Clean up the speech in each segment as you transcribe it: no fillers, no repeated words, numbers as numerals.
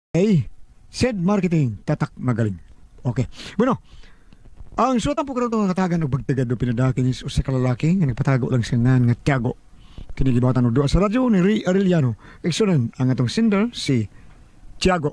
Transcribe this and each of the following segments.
Said marketing, tatak magaling. Okay. Bueno, ang suotang po karon nga katagan og bagtigad do pinadakin is usa ka lalaki nga nagpatago lang siya nga Tiago. Kini gibawatan og duha sa radyo ni Ray Arellano. Eksunan ang atong sender si Tiago.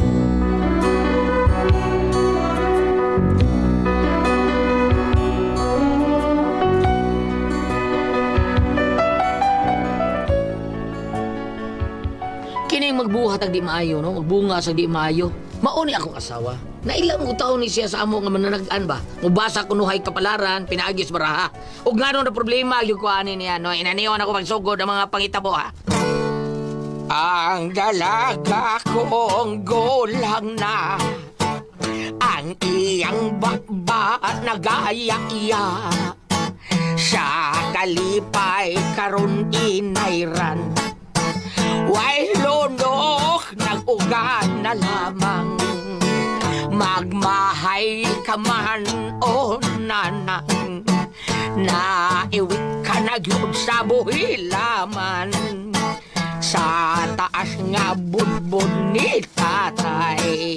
Kining magbuhat ang di maayo, no? Magbunga sa di maayo. Mauni akong asawa. Nailang mo taon ni siya sa amo nga mananagan ba? Mubasa ko nuhay kapalaran, pinaagis baraha. Ug nga na problema, yung kuhanin niya, no? Inaniwan ako pagsugod ang mga pangitabo, ha? Ang dalaga kong gulang na, ang iyang baba nagaya-iya. Sa kalipay karon inayran, way lunok nag-ugan na lamang. Magmahay ka man o nanang, naiwit ka na yun sa buhilaman. Sa taas nga budbud ni tatay,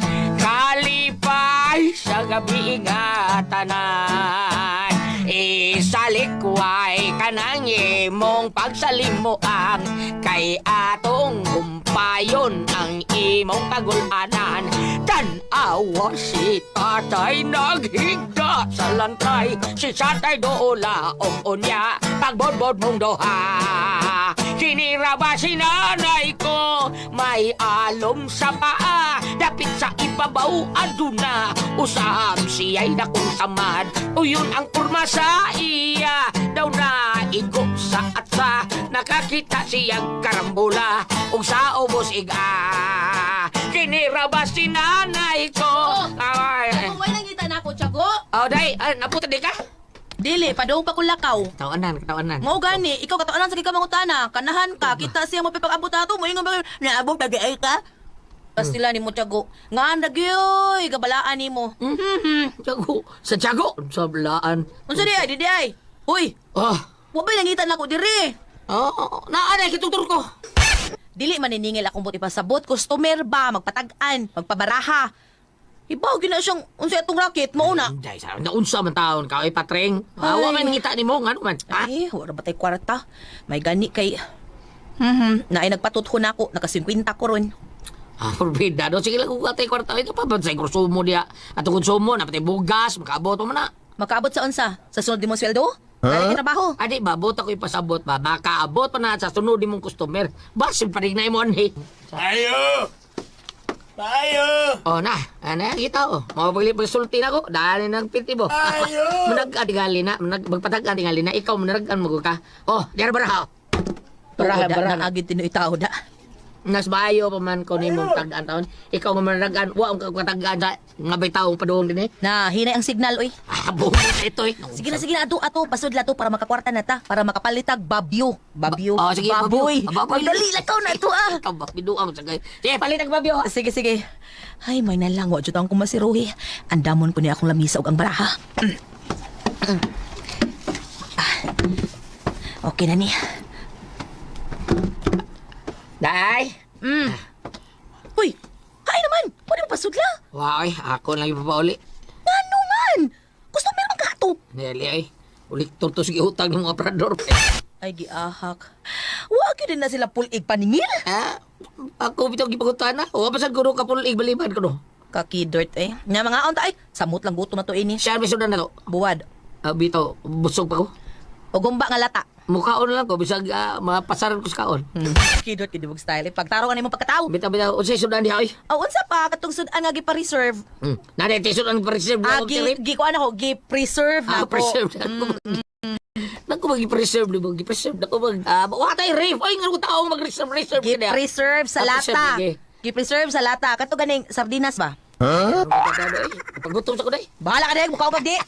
kalipay sa gabi nga tanan. Isalikway ka nang imong pagsalimuang, kay atong gumpayon ang imong kagulanan. Tan-awa si tatay naghigda sa lantay, si tatay doola o unya pagbodbod mong doha. Kinira ba si nanay ko, may alom sa paa, dapit sa ibabaw aduna, usab siya'y dakong samad. Uyon ang kurma sa iya, daw na igo sa atsa, nakakita siyang karambula, ug sa ubos iga. Kinira ba si nanay ko? Ako may nangita na ako, Tiago. Day, naputa di ka? Dili, padung pa kulakaw. Tawanan. Mo gani, ikaw katawanan sa gikamangutana. Kanahan ka, kita siya mapipag-abot ato mo. Ingon ba, naabot tagay ka? Pastila ni mo, Tiago. Nga nagyoy, gabalaan ni mo. Tiago. Sa Tiago? Sa balaan. Unsa di ay, di ay. Huy, mo ba nangita na ako diri? Naanay, kitutur ko. Dili maniningil akong buti pasabot. Customer ba, magpatag-an, magpabaraha. Ibaw, gina siyang, unsa itong racket, mauna. Day, sa naunsa man taon ka, ay patreng. Awa man ngita ni mo, ano man. Ha? Ay, wala ba tayo kwarta? May gani kay... na ay nagpatutho na ako, naka-50 ko ron. Forbida. No, sige lang kung katay kwarta. Ito pa ba sa konsumo niya? At ang konsumo, napatay bugas, makaabot mo na. Makaabot sa unsa? Sa sunod di mo sweldo? Huh? Trabaho? Adi ba, buta ko ipasabot ba? Makaabot pa na sa sunod di mong customer. Basin pa rin na mo, anhi. Tayo! Na, kita ko. Pagsulti na ko, dahil nang pinti mo. Tayo! Manag-adigali na, magpatag-adigali na, ikaw manaragan mo ka. Diyan baraha. Baraha. Naagid tinoy tao da. Nas bayo pa man ko ni mong tag-an taon. Ikaw nga manaragan, wa ang katagaan sa nga bay taong paduong din eh. Na, hinay ang signal, oy. Buhok na ito eh. Sige na, ato, pasod lato para makakwarta na ta, para makapalitag babyo. Babyo. Sige, baboy. baboy. Dali, lakaw na ito, ah. Tabak, biduang sa gay. Sige, palitag babyo. Sige. Ay, may nalang, wadyo taong kumasiruhi. Andamon ko niya akong lamisa og ang baraha. Okay na ni. Day. Uy, hay naman. Pwede mo pasudla. Wow, ako lang ipapauli. Ngano man? Gusto mo naman kato. Neli ay. Ulit turto sige utang ng mga prador. Ay, giahak. Huwag yun din na sila pulig paningil. Ako bitaw gipagutan na. O pasan ko ka pulig baliban ko no. Kakidort eh. Nga mga onta ay, samot lang guto na to ini. Siya may sudan na to. Buwad. Bitaw, busog pa ko. O gumba nga lata. Mukhaon lang ko, bisag mapasaran ko sa kaon. Kidort, kidibog style eh. Pagtaro ka na yung pagkatao. Bitaw, unsay sudan diha ay. O, unsa pa, katong sudan nga gipa-reserve. Nade, sudan pa-reserve na ako kirip. Gikuan ako, gi-preserve na ako. Preserve na ako. Naku mag-preserve di ba? Gi-preserve na ako mag... Wala tayo reef. Ay, nga ko taong mag-reserve ka na. Gi-preserve sa lata. Gi-preserve sa lata. Kato ganing sardinas ba? Paggutom sa ko day. Bahala ka din, mukha ko di.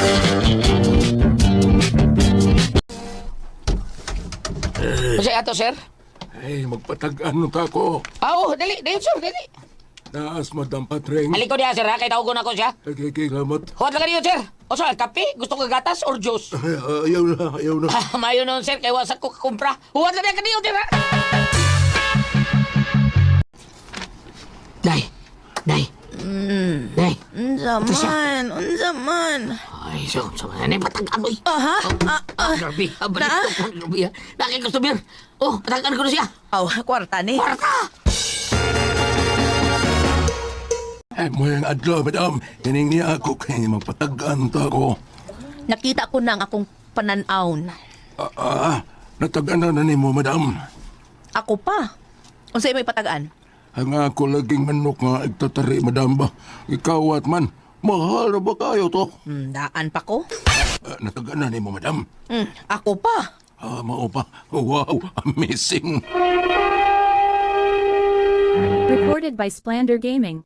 Kasi ato, sir? Ay, magpatag-ano ka ko. Dali, sir, dali. Naas Madam Patreng. Aliko diya, sir, ha? Kaya tawag ko na ko siya. Nagkikilamat. Huwag lang niyo, sir. O, sir, kape? Gusto ko gatas or juice? Ay, ayaw na. Mayo nun, sir. Kaya wasak ko kakumpra. Huwag lang niya kaniyo, sir, ha? Day. Day. Day. Unsa man. Ay, so manay patagan mo. Aha? Grabe, balik Na? ko. Grabe. Laki customer. Oh, patagan ko na siya. Kwarta ni. Kwarta! Ay, mo yung adlaw, madam. Hining niya ako kay magpatagaan ta ko. Nakita ko na ang akong pananaon. Natagaan na ni mo, madam. Ako pa. Unsa may patagaan? Ang ako laging manok nga igtatari, madam ba? Ikaw at man, mahal na ba kayo to? Daan pa ko. Natagaan na ni mo, madam. Ako pa. Mao pa. Wow, amazing. Recorded by Splander Gaming.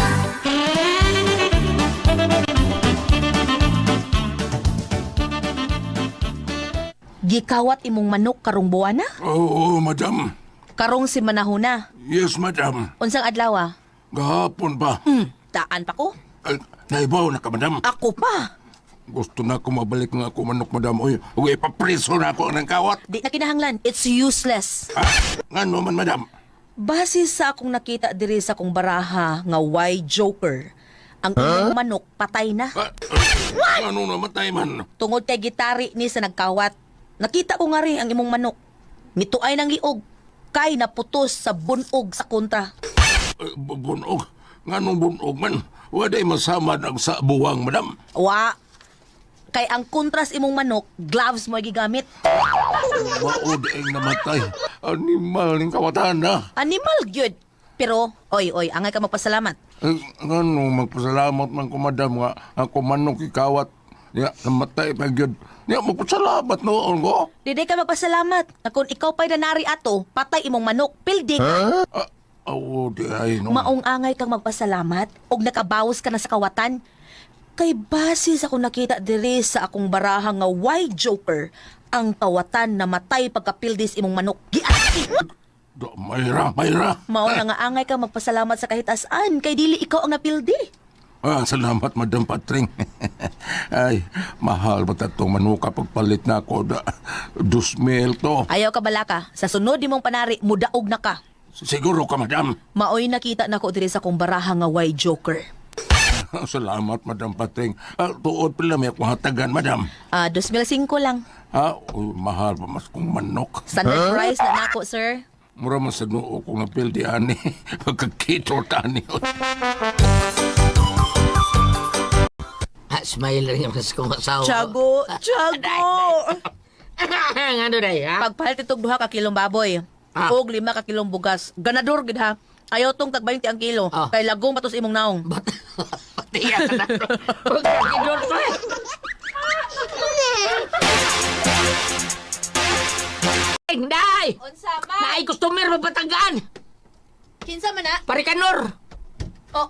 Gikawat imong manok karong buwana? Oo, madam. Karong si manahuna. Yes, madam. Unsang adlaw? Gahapon pa. Daan pa ko. Naibaw na ka, madam. Ako pa. Gusto na ako mabalik nga ako manok, madam. Uy, ipapriso na ako ng kawat. Di na kinahanglan. It's useless. Nga naman, madam. Base sa akong nakita diri sa akong baraha nga why joker, ang imong manok patay na. Ano namatay man? Tungod kay gitari ni sa nagkawat. Nakita ko nga rin ang imong manok. Mituay ng liog. Kay naputos sa bunog sa kontra. Bunog. Nga nung bunog man. Waday masamad ang sa buwang, madam. Wa. Kay ang kontras imong manok, gloves mo gigamit. Maod ang namatay. Animal ng kawatan na. Animal gyud. Pero, oy, angay ka magpasalamat. Nga nung magpasalamat man ko, madam, nga ako manok ikawat. Ya, namatay pa yun. Ya, magpasalamat noon ko. Diday ka magpasalamat. Na kung ikaw pa'y nanari ato, patay imong manok, pildi ka. Oo, di ay, no. Maong angay kang magpasalamat og nakabawas ka na sa kawatan. Kay base sa akong nakita diri sa akong baraha nga why joker, ang kawatan na matay pagkapildis imong manok. Giati! Mayra. Mao na nga angay kang magpasalamat sa kahit asan kay dili ikaw ang napildi. Salamat, Madam Patring. Ay, mahal ba tatong manuka pagpalit na ako da 2,000 to. Ayaw ka balaka, sa sunod imong panari mudaog na ka. Siguro ka, Madam. Maoy nakita nako diri sa akong baraha nga why joker. Salamat, Madam Patring. Tuod pala may akong hatagan, Madam. 2005 lang. Mahal pa mas kong manok. Standard price na nako, sir. Mura man sa noo kong napildi, ani. Pagkakito tani. Smile rin yung mas kong asawa. Tiago! Ano day, ha? Pagpalit itong 2 ka kilong baboy. Og 5 ka kilong bugas. Ganador gid ha. Ayaw tong tag 20 ang kilo. Kay lagong patos imong naong. Tiya ka na. Huwag ka kinor ko eh. Day! Unsa Naay customer mapatagaan. Kinsa man na? Parikanor. Oh,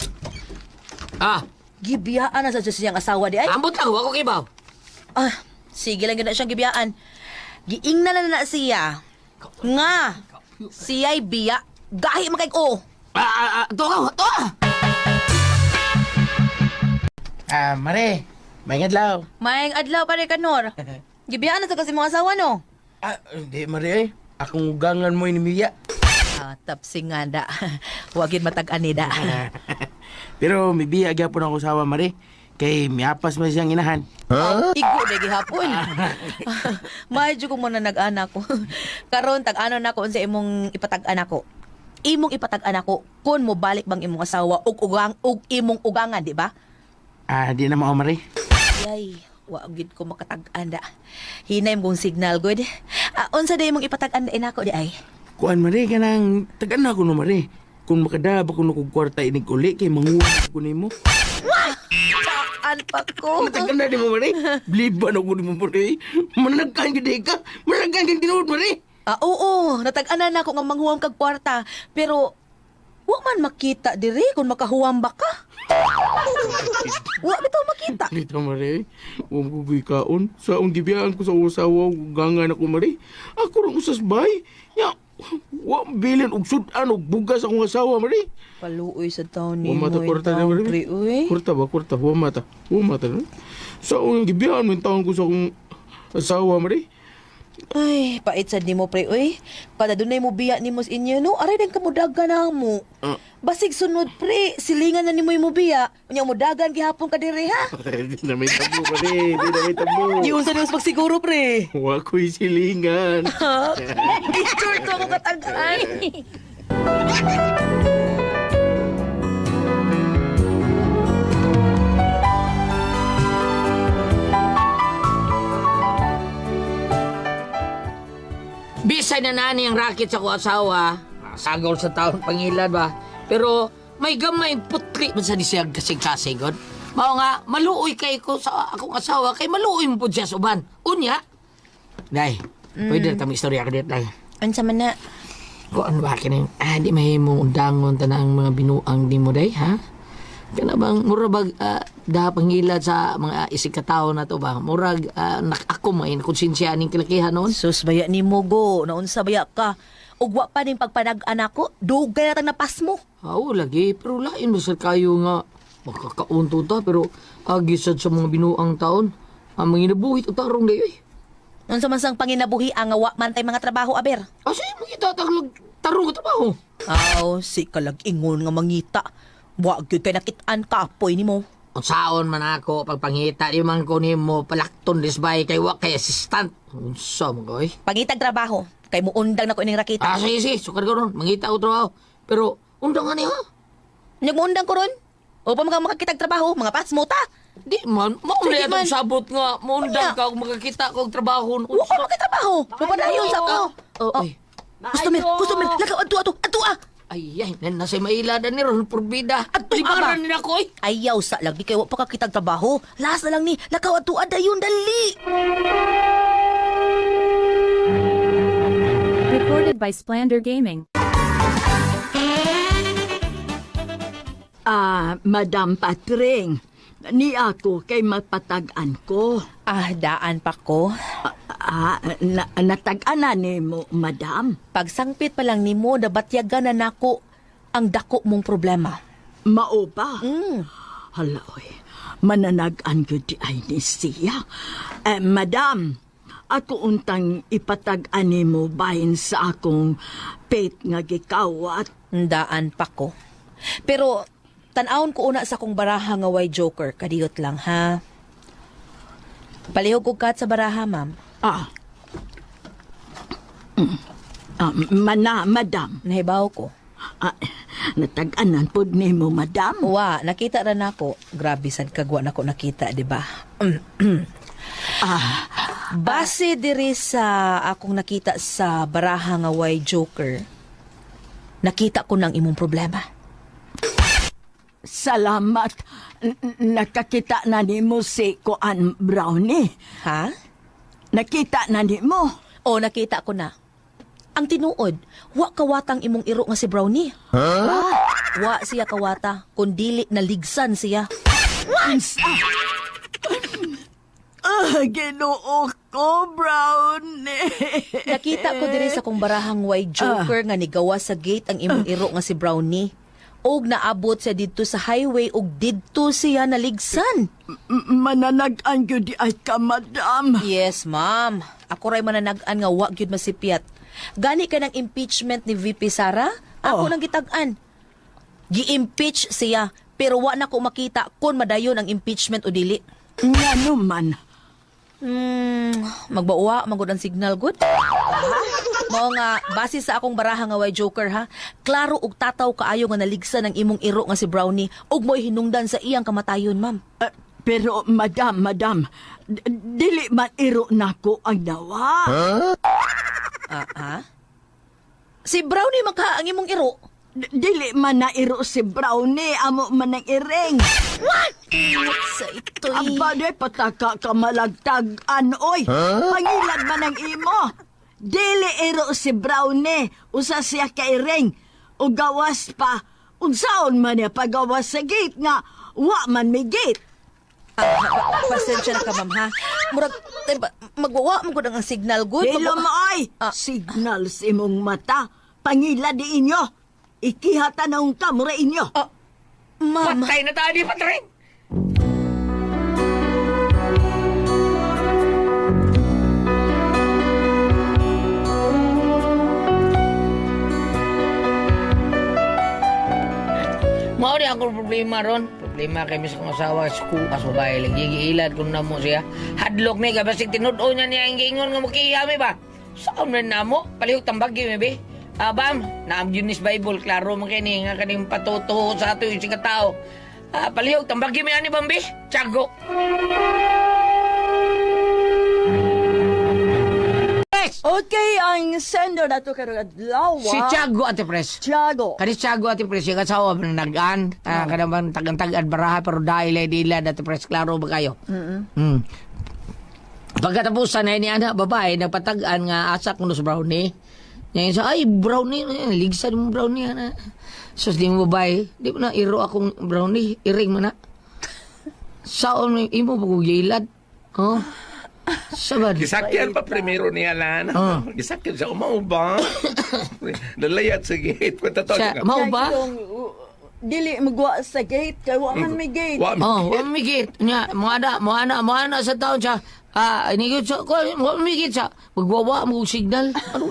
gibiyaan na sa siyang asawa di ay. Ambot lang, wako kibaw. Sige lang gina siyang gibiyaan. Giingnan na siya. Nga. Siya'y biya. Gahi man kay ko. To. Mare, may ngadlaw. Maayong adlaw pa rin kanor. Gibiyaan na sa kasi mga asawa no. Hindi, Mare, ay. Akong ugangan mo inimiya. Tapsing nga da. Wagin matag-ani da. Pero may biya gyapon ako sawa, Mare. Kay miapas man siyang inahan. Igo na gihapon. Medyo ko muna nag-anak ko. Karon tag-ano na ko sa imong ipatag-anak ko. Imong ipatag-anak ko kun mo balik bang imong asawa ug imong ugangan, di ba? Di na mao, Mare. Yay, wa gid ko makatag-anda. Hinay mong signal good. Unsa day imong ipatag-anda inako di ay? Kuan, Mare, kanang tagan na ko no, Mare. Kung makadaba ko no kog kwarta inig uli kay manguha ko nimo. An pa ko. Tagan na di mo, Mare. Bliban ako nimo, Mare. Managkan gid ka. Managkan kag tinuod, Mare. Oo, natag-anan na ako nga manghuwam kag kwarta. Pero, wa man makita diri kung makahuwam ba ka. Wa bitaw makita. Dito, Mare. Huwag ko gikaon. Sa ang gibiyaan ko sa usawa, gangan ako, Mare. Ako rin usas bay. Ya, wa bilin og sudan og bugas akong asawa, Mare. Paluoy sa taon ni Huwag mata mo. kwarta na, Mare. Uy. Kwarta ba? Kwarta. Huwag mata. No? Sa ang gibiyaan mo yung taon ko sa akong asawa, Mare. Ay, pait sad nimo pre, uy. Kada dunay mo biya nimo sa inyo, no? Aray din kamudagan na mo. Basig sunod pre, silingan na nimo yung biya. Unya mudagan gihapon ka diri ha. Di na may tabo pa rin. Di na may tabo. Yun sa nimo pagsiguro pre. Wa ko'y silingan. Ha? Picture to ako katagaan. Bisay na nani ang racket sa ko asawa. Sagol sa taon pangilad ba. Pero may gamay putli man sa disiyag kasing-kasing god. Mao nga, maluoy kay ko sa akong asawa kay maluoy mo po siya sa uban. Unya. Day, pwede na kami istorya ka dito day. Unsa man na? Kung ano ba kini? Di mahimong undangon tanang mga binuang di mo day, ha? Kana bang murag da pangilad sa mga isig ka tawo na to ba? Murag ako may konsensya ning kilakihan noon. Sus, baya ni mo go. Naunsa baya ka. Ugwa pa ning pagpanag-an ako. Dugay na tang napas mo. Oo, lagi. Pero lain masal kayo nga. Makakaunto ta, pero agisad sa mga binuang taon. Ang mga inabuhit o tarong dayo eh. Unsa man sang panginabuhi ang awa man tay mga trabaho aber. Asa yung makita tarong ka trabaho? Aw, si kalag-ingon nga mangita. Wa gyud kay nakit-an kapoy nimo. Ang saon man ako, pagpangita, di man ko ni mo palakton disbay kay wa kay assistant. Unsa mo koy? Pangitag trabaho. Kay mo undang na ko ining rakita. Sige, sukar ko ron. Mangita ko trabaho. Pero, undang nga niya. Nyag mo undang ko ron. O pa makakitag trabaho, mga pasmo ta. Di man, maulay Sige man. atong sabot nga. Maundang Unya. ka kung makakita ko og trabaho. Wa ka magkatrabaho. Papadayon sa ako. Oh, Customer, lakaw ato ah. ay, nasa mailadan ni Ron Purbida. Ato, Libaran ama. nila ko eh. Ayaw sa lagi kay wa pa kakitag trabaho. Last na lang ni, lakaw ato dayon dali. Recorded by Splander Gaming. Madam Patring, ni ako kay mapatag-an ko. Daan pa ko. Natag-an na ni mo, madam. Pagsangpit pa lang nimo, nabatyagan na nako ang dako mong problema. Mao ba? Mm. Haloy, mananag-an ko di ay ni siya. Madam, ako untang ipatag-an ni mo bahin sa akong pet nga gikawat. Daan pa ko. Pero, tanawon ko una sa kong baraha nga way joker. Kadiyot lang, ha? Palihog ko kat sa baraha, ma'am. Madam. Nahibaw ko. Natag-anan po ni mo, madam. Wa, nakita ra nako. Grabe sad kagwa nako nakita, di ba? Base diri sa akong nakita sa baraha nga way joker, nakita ko ng imong problema. Salamat. Nakakita na ni mo si Kuan Brownie. Ha? Nakita na ni mo. O, nakita ko na. Ang tinuod, wa kawatang imong iro nga si Brownie. Wa siya kawata, kundili naligsan siya. Ginoo ko, Brownie. Nakita ko diri sa kong barahang way joker nga nigawa sa gate ang imong iro nga si Brownie. Og naabot siya didto sa highway og didto siya naligsan. Mananag-an ko di ay ka, madam. Yes, ma'am. Ako ray mananag-an nga wa gyud masipyat. Gani ka ng impeachment ni VP Sara? Ako nang gitag-an. Gi-impeach siya, pero wa na ko makita kung madayon ang impeachment o dili. Nga naman. Magbauwa, magod ang signal, good? Mao nga, base sa akong baraha nga way joker, ha? Klaro og tataw kaayo nga naligsan ang imong iro nga si Brownie og mo'y hinungdan sa iyang kamatayon, ma'am. Pero, madam, dili man iro nako ang nawa. Ha? Si Brownie magka ang imong iro? Dili man na iro si Brownie, amo man ang iring. Sa ito'y... Aba, de, pataka ka malagtag-an, oy. Pangilan man ang imo. Dili iro si Brownie, usa siya ka iring. O gawas pa, unsaon man niya pagawas sa gate nga, wa man may gate. Pasensya na ka, ma'am, ha? Murag, magwawa mo ko ang signal, good? Dilo mo, oy. Signal sa imong mata. Pangila di inyo. Ikihata na ang kamura inyo. Ma'am, Patay na tayo, Patring! Mao di ako problema ron. Problema kay mis kong asawa suko kas babae lagi giilad kun namo siya. Hadlok ni ka basig tinud-o niya ang giingon nga mukiyami ba. Saan man namo? Palihog tambagi mi be. Bam, naam Junis Bible klaro man kini nga kaning patuto sa ato yung sing tao. Palihog tambagi mi ani bambi. Tiago. Okay, ang sender na to karong adlaw. Si Tiago Ate Pres. Tiago. Kani Tiago Ate Pres yung asawa ng nagan. Kada bang tagan-tagan baraha pero dahil ay dila Ate Pres klaro ba kayo? Pagkatapusan na ni anak babae nagpatagan nga asa kuno sa brownie. Yang sa ay brownie ligsan mo brownie ana. Sus di mo babae, di mo na iro akong brownie, iring man na. Saon imo pagugilad. Oh. Sabad. Gisakyan pa primero niya lan. Gisakyan sa umauba. Nalayat sa gate. Sa mau ba? Dili magwa sa gate kay wa man may gate. Oh, wa migit. Nya, mo ana sa taon siya. Ini ko mo migit sa magwawa mo signal.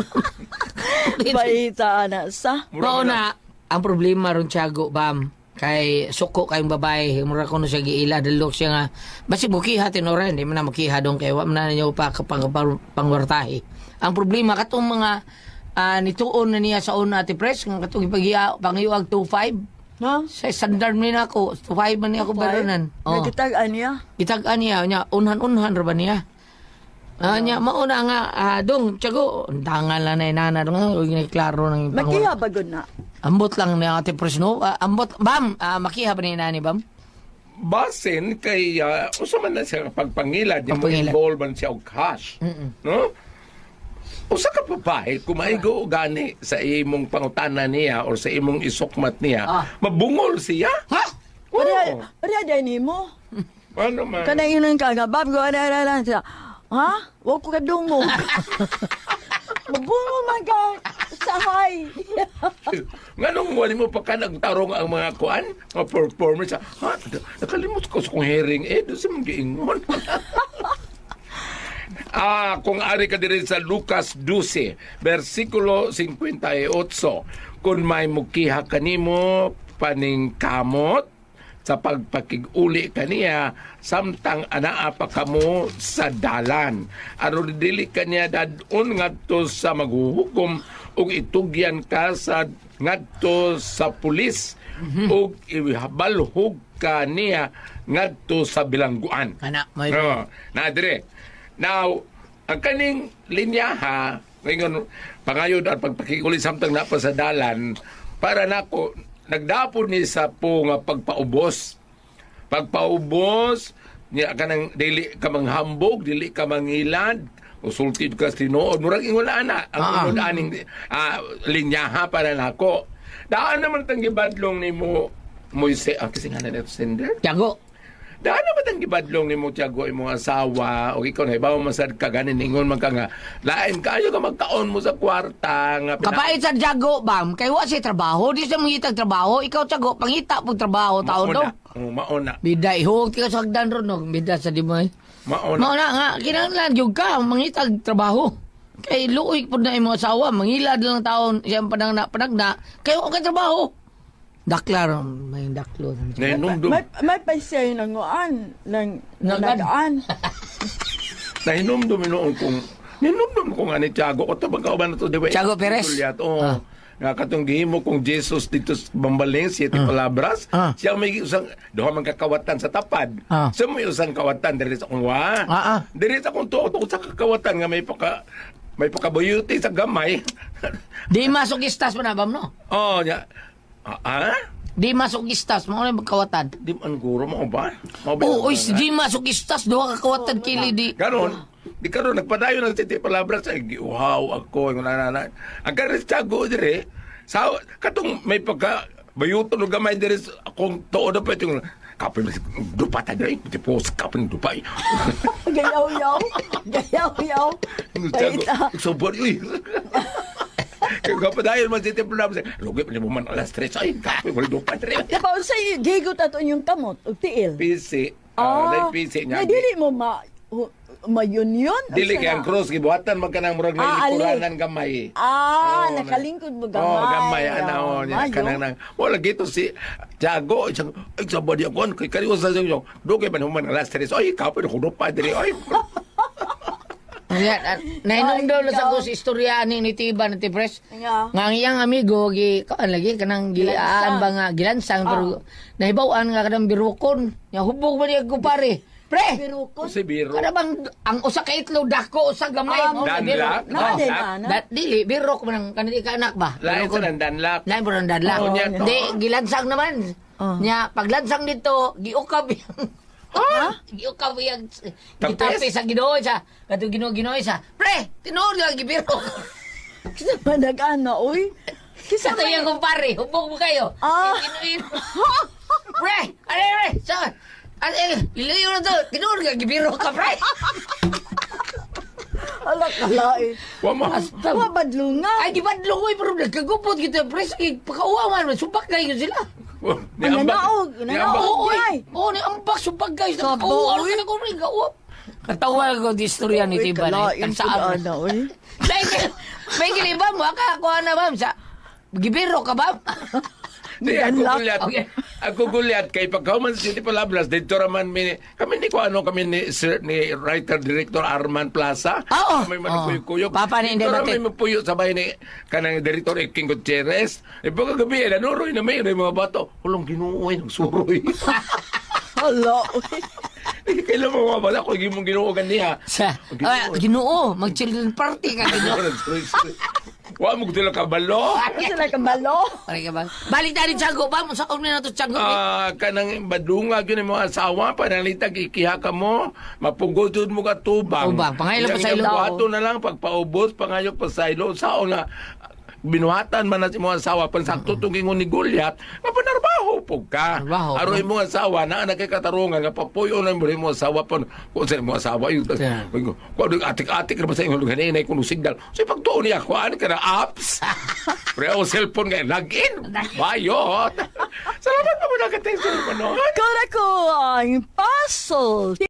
Baita na sa. Mao na ang problema ron Tiago bam. Kay suko kayong babae, mura ko na siya giila, dalok siya nga, basi bukiha tinora, hindi mo na makiha doon, kaya wala na niyo pa pangwartahi. Ang problema, katong mga nituon na niya sa una Ate Pres, katong pangiwag 2.5, Ha? sa standard mo na ako, 2.5 man niya ako balanan. Nagkitagan niya. Itagaan niya, unhan-unhan ra ba niya? Nya mauna nga dong Tiago, tangal na nana dong klaro ng Makiha ba gud na? Ambot lang ni Ate Pres no. Ambot bam, makiha ba ni nani bam? Basin kay usa man na siya pagpangilad, yung Pagpangilad. involved man siya og cash. No? Usa ka babae kumaigo gani sa imong pangutana niya or sa imong isukmat niya, mabungol siya. Ha? Oo. Pare day nimo. Ano man? Kana inon ka bab go ara siya. Ha? Wa ko kadungo. Mabungo man ka sahay. Nganong wali mo pa ka nagtarong ang mga kuan, mga performers. Ha? Nakalimot ko sa kong hearing doon sa mga giingon. Kung ari ka diri sa Lucas 12, versikulo 58, kung may mukiha kanimo paning kamot, sa pagpakig-uli kaniya samtang anaa pa kamo sa dalan. Aron dili kaniya dadon ngadto sa maghuhukom ug itugyan ka sa ngadto sa pulis ug ihabalhog kaniya ngadto sa bilangguan. Kana may Na dire. Now, ang kaning linya ha, ngayon pangayod at pagpakig-uli samtang na pa sa dalan para nako nagdapon ni sa po nga pagpaubos. Pagpaubos, niya ka nang dili ka manghambog, dili ka mangilad, usultid ka tinuod. Murag ingon na ang unod aning linyaha para nako. Daan naman tang gibadlong ni mo Moise, kasi nga na neto sender. Tiago. Daan naman tang gibadlong ni mo Tiago imong asawa o ikaw na ibaw masad ka ganin ingon man ka nga lain kayo ka magkaon mo sa kwarta nga Kapait sa Tiago bam, kay wa si trabaho, di siya mangitag trabaho, ikaw Tiago pangita pug trabaho taon daw. Mauna. Bida ihog ti ka sa hagdan ron no, bida sa di mo. Mauna. Mauna nga kinahanglan jud ka mangitag trabaho. Kay luoy pud na imong asawa, mangilad lang taon siyang panagna, kay wa ka trabaho. Daklar, may daklo. Nainumdum. May paisay nanguan nang Nagan. nagaan. Nainumdum noon kung ninumdum ko nga ni Tiago o tabang kauban na to di ba? Tiago Perez. Nga katong gihimo kong Jesus dito sa Bambaleng, siete palabras, siya may usang, doha man kakawatan sa tapad. Siya may usang kawatan diri sa kong wa. Diri sa kong tuot sa kakawatan nga may pakabayuti sa gamay. Di masokistas mo na bam no? Nya. Di masokistas mo na magkawatan. Di man guro mo ba? Oo, di masokistas do ka kawatan kili di. Karon, di karon nagpadayon ng titi palabras ay wow ako ng nanana. Ang karis Tiago dire sa katong may pagka bayuton og gamay dire akong tuod pa yung kapin dupa ta dire tipo sa kapin dupa. Gayaw-yaw. Gayaw-yaw. Tiago, so uy. Kaya kapadayon man titi palabras. Lugi pa mo man alas 3 ay kapin mo dupa dire. Diba, unsay gigot ato yung kamot o tiil? PC. PC niya. Nga dili mo ma-union? Dili kay ang cross gibuhatan man kanang murag ali. likurangan gamay. Nakalingkod mo gamay. Gamay ana niya kanang nang wala gito si Tiago, isang, ay, sabadi ako, kay kariwa sa iyo, do kay manuman ng last tres, ay, ikaw, pero kuno pa, dili, ay, Ayan, nainom daw na sa si istorya ni Tiba na Tipres. Nga. Nga ang iyang amigo, kaan lagi, kanang gilaan ba nga, gilansang, pero nahibawaan nga kanang birukon. Nga hubog ba niya ko pare? Pre! Birukon. si Biro. Kada bang ang usa ka itlog dako usa gamay mo Danlak? Nadin, Danlak? ana. Dili birok man ang kanili ka anak ba? Lain sa nandanlak. Lain po ng dadla. Oo, niya to. Di, gilansang naman. Nya, paglansang dito, giukab yung... Giukab yung... Gitapi sa Ginoo sa... Kato Ginoo sa... Pre! Tinuod lang, gibiro. Kisa ba nag-ana, oy? Sa to yung kumpare, hubog mo kayo. Ah. Pre! Are! Saan? Lilayo na to. Tinuod lang, gibiro ka, pre! Ala kalai. Wa ma. Mabadlunga. Ay, di ba lugoy, pero nagkagupot kita, pre. Sige, pakauaman, supak kayo sila. Ni Ang ambak. nanaog, Ni nanaog. ambak. Oo, Ay. oo, ni ambak, supak kayo. Sabo, Pakauaman uy. ka na ko rin, kauwap. Katawa ko di istorya ni Tiba na. Kalain po Tagsaan. ana, oy. May giliba mo, akakuha na, ma'am, sa... Gibiro ka, ma'am? Di ako Danlak. gulyat. Okay. Ako gulyat kay pagkauman sa City Palabras dito raman kami ni ko ano kami ni sir, ni writer director Arman Plaza. Oo. May manukuyok. Papa ni Dito Indemate. raman mapuyo sa bahay ni kanang director King Gutierrez. E pagkagabi nanuroy na may mga bato. Hulong ginuoy ng suroy. Hala, oy. Kailan mo mga bata ko gimong ginuogan niya. Sa... Ginoo, mag-children party ka, Ginoo. Wa mo gutila kabalo. Kasi like ang balo. Pare ka ba? Balik tayo ni Tiago, ba? Masakog na ito, Tiago. Kanang badunga yun yung mga asawa, panalitag ikiha ka mo, mapugod mo ka tubang. Tubang, pangaylo pa sa ilo. Ato na lang, pagpaubos, pangayok pa sa ilo. Sao nga, binuhatan man na si mga asawa, pansakto itong ingon ni Goliath, nga panarbaho po ka. Narbaho. Aroy mo asawa, na anak kay katarungan, nga papuyo na mo asawa pa, kung sa mo asawa, yung, Yeah. kung atik-atik na ba sa inyo, ganinay kung signal. So, pagtuon niya, kuhaan ka na apps. Pre, o cellphone nga, login. Bayot. Salamat pa mo na ka-text mo, no? Kora ko ang puzzle.